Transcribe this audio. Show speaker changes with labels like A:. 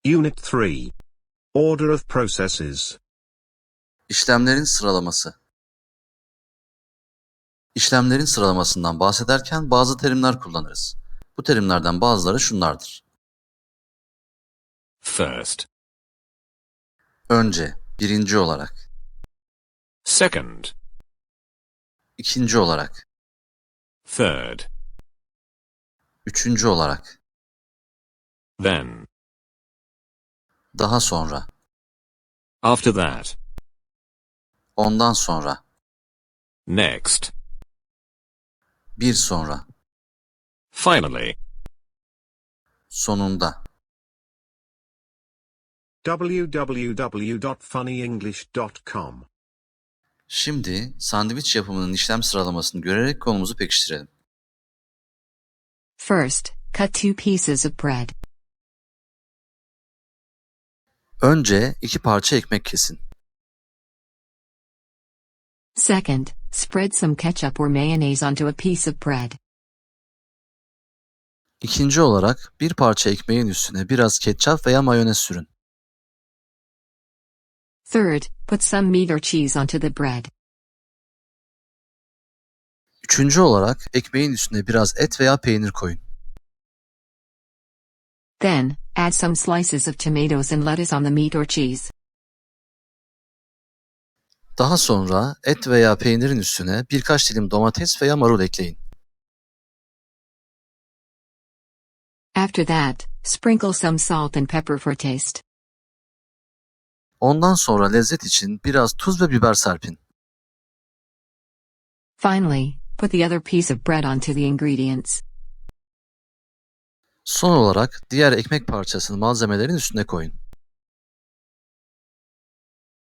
A: Unit 3. Order of processes.
B: İşlemlerin sıralaması. İşlemlerin sıralamasından bahsederken bazı terimler kullanırız. Bu terimlerden bazıları şunlardır.
C: First.
B: Önce, birinci olarak.
C: Second.
B: İkinci olarak.
C: Third.
B: Üçüncü olarak.
C: Then.
B: Daha sonra.
C: After that.
B: Ondan sonra.
C: Next.
B: Bir sonra.
C: Finally.
B: Sonunda.
A: www.funnyenglish.com.
B: Şimdi sandviç yapımının işlem sıralamasını görerek konumuzu pekiştirelim.
D: First, cut 2 pieces of bread.
B: Önce 2 parça ekmek kesin.
D: Second, spread some ketchup or mayonnaise onto a piece of bread.
B: İkinci olarak bir parça ekmeğin üstüne biraz ketçap veya mayonez sürün.
D: Third, put some meat or cheese onto the bread.
B: Üçüncü olarak ekmeğin üstüne biraz et veya peynir koyun.
D: Then, add some slices of tomatoes and lettuce on the meat or cheese.
B: Daha sonra et veya peynirin üstüne birkaç dilim domates veya marul ekleyin.
D: After that, sprinkle some salt and pepper for taste.
B: Ondan sonra lezzet için biraz tuz ve biber serpin.
D: Finally, put the other piece of bread onto the ingredients.
B: Son olarak diğer ekmek parçasını malzemelerin üstüne koyun.